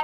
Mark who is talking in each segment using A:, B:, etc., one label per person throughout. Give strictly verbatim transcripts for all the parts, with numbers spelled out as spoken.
A: ครับ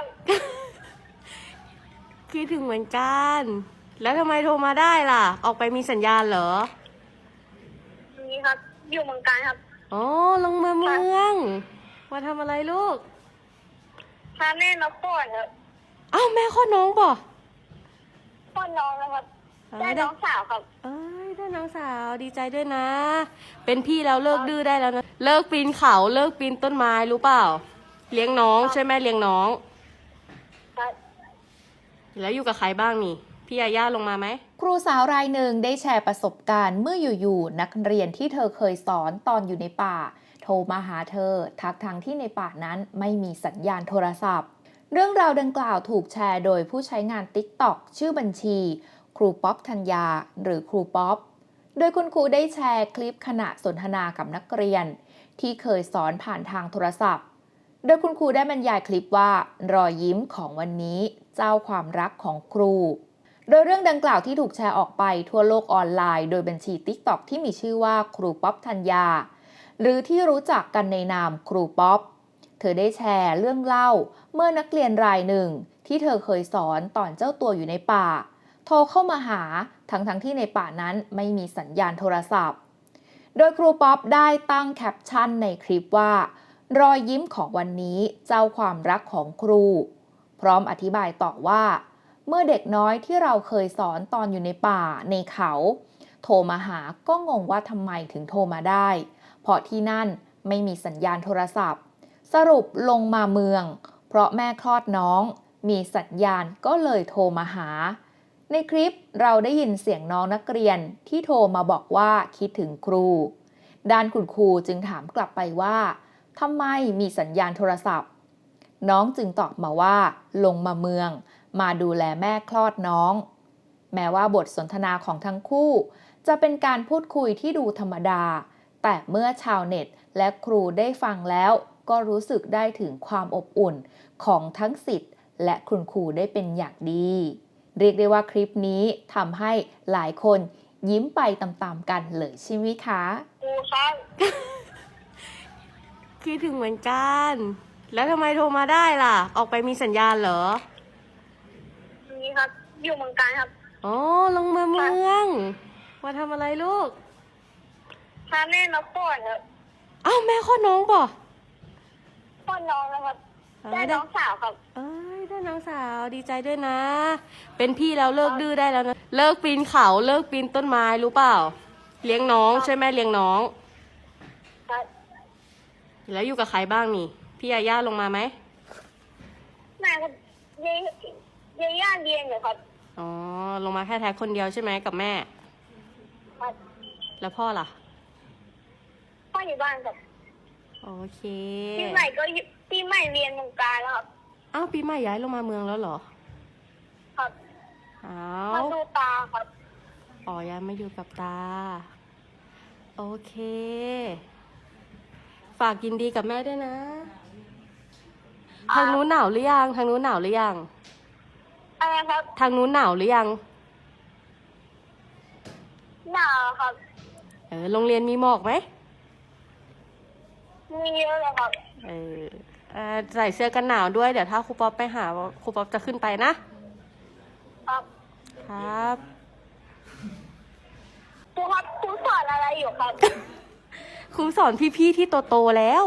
B: คิดถึงเหมือนกัน แล้วทำไมโทรมาได้ล่ะ ออกไปมีสัญญาณเหรอ
A: นี่ครับ อยู่เมืองการครับ
B: อ๋อ ลงมาเมืองมาทำอะไรลูก
A: พาแม่มาป้อนครับ
B: อ้าวแม่คลอดน้องป่ะ
A: ป้อนน้องนะครับ ได้น้องสาวครับ
B: เอ้ยได้น้องสาวดีใจด้วยนะ เป็นพี่แล้วเลิกดื้อได้แล้วนะ เลิกปีนเขาเลิกปีนต้นไม้รู้เปล่า เลี้ยงน้องใช่ไหมเลี้ยงน้อง
A: ครับ
B: แล้วอยู่กับใครบ้างนี่ พี่ยาย่าลงมาไหม
C: ครูสาวรายหนึ่งได้แชร์ประสบการณ์เมื่ออยู่ๆนักเรียนที่เธอเคยสอนตอนอยู่ในป่า โทรมาหาเธอทักทางที่ในป่านั้นไม่มีสัญญาณโทรศัพท์ เรื่องราวดังกล่าวถูกแชร์โดยผู้ใช้งาน ติ๊กต็อก ชื่อบัญชี ครูป๊อปธัญญาหรือครูป๊อป โดยคุณครูได้แชร์คลิปขณะสนทนากับนักเรียน ที่เคยสอนผ่านทางโทรศัพท์ โดยคุณครูได้บรรยายคลิปว่ารอยยิ้มของวันนี้เจ้าความรักของครู โดยเรื่องดังกล่าวที่ถูกแชร์ออกไปทั่วโลกออนไลน์โดยบัญชี ติ๊กต็อก ที่มีชื่อว่าครูป๊อปธัญญาหรือที่รู้จักกันในนามครูป๊อป เธอได้แชร์เรื่องเล่าเมื่อนักเรียนรายหนึ่งที่เธอเคยสอนตอนเจ้าตัวอยู่ในป่า โทรเข้ามาหาทั้งทั้งที่ในป่านั้นไม่มีสัญญาณโทรศัพท์ โดยครูป๊อปได้ตั้งแคปชั่นในคลิปว่ารอยยิ้มของวันนี้เจ้าความรักของครู พร้อมอธิบายต่อว่าเมื่อเด็กน้อยที่เราเคยสอนตอนอยู่ในป่าในเขา โทรมาหาก็งงว่าทำไมถึงโทรมาได้ เพราะที่นั่นไม่มีสัญญาณโทรศัพท์ สรุปลงมาเมือง เพราะแม่คลอดน้องมีสัญญาณก็เลยโทรมาหา ในคลิปเราได้ยินเสียงน้องนักเรียนที่โทรมาบอกว่าคิดถึงครู ด้านคุณครูจึงถามกลับไปว่าทำไมมีสัญญาณโทรศัพท์ น้องจึงตอบมาว่าลงมาเมืองมาดูแลแม่คลอดน้อง แม้ว่าบทสนทนาของทั้งคู่จะเป็นการพูดคุยที่ดูธรรมดา แต่เมื่อชาวเน็ตและครูได้ฟังแล้วก็รู้สึกได้ถึงความอบอุ่นของทั้งศิษย์และคุณครูได้เป็นอย่างดี เรียกได้ว่าคลิปนี้ทำให้หลายคนยิ้มไปตามๆกันเลยใช่ไหมคะ
A: ครูครับ
B: คิดถึงเหมือนกัน แล้วทำไมโทรมาได้ล่ะ ออกไปมีสัญญาณเหรอ
A: นี่ครับ อยู่เมืองการครับ
B: อ๋อ ลงมาเมืองมาทำอะไรลูก
A: พาแม่มาป้อนครับ
B: อ้าวแม่คลอดน้องป่ะ
A: ป้อนน้องนะครับ ได้น้องสาวครับ
B: เอ้ยได้น้องสาวดีใจด้วยนะ เป็นพี่แล้วเลิกดื้อได้แล้วนะ เลิกปีนเขาเลิกปีนต้นไม้รู้เปล่า เลี้ยงน้องใช่ไหมเลี้ยงน้อง
A: ครับ
B: แล้วอยู่กับใครบ้างนี่ พี่ยาย่าลงมาไหม
A: แม่ครับเยเยย่าเรียนอยู่ครับ
B: อ๋อ ลงมาแค่แท็กคนเดียวใช่ไหมกับแม่
A: ครับ
B: แล้วพ่อล่ะ
A: พ่ออยู่บ้านครับ
B: โอเค
A: ปีใหม่ก็อยู่ปีใหม่เรียนเมืองการแล้วครับ
B: อ้าวปีใหม่ย้ายลงมาเมืองแล้วเหรอ
A: ครับ
B: อ้า
A: มาว ดูตาครับ
B: อ๋อย้ายมาอยู่กับตา โอเค ฝากยินดีกับแม่ด้วยนะ ทางนู้นหนาวหรือยัง ทางนู้นหนาวหรือยัง
A: อะไรครับ
B: ทางนู้นหนาวหรือยัง
A: หนาวครับ
B: เออ โรงเรียนมีหมอกไหม
A: มีเยอะเลยครับ
B: เออเอ่อใส่เสื้อกันหนาวด้วย เดี๋ยวถ้าครูป๊อปไปหาครูป๊อปจะขึ้นไปนะ
A: ครับ
B: ครับ
A: ครูครับครูสอนอะไรอยู่ครับ
B: ครูสอนพี่ๆที่โตๆแล้ว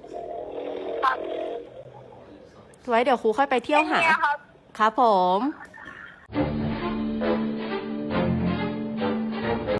A: ครับ
B: ไว้เดี๋ยวครูค่อยไปเที่ยวหา
A: เป็นไงครับ
B: ครับผม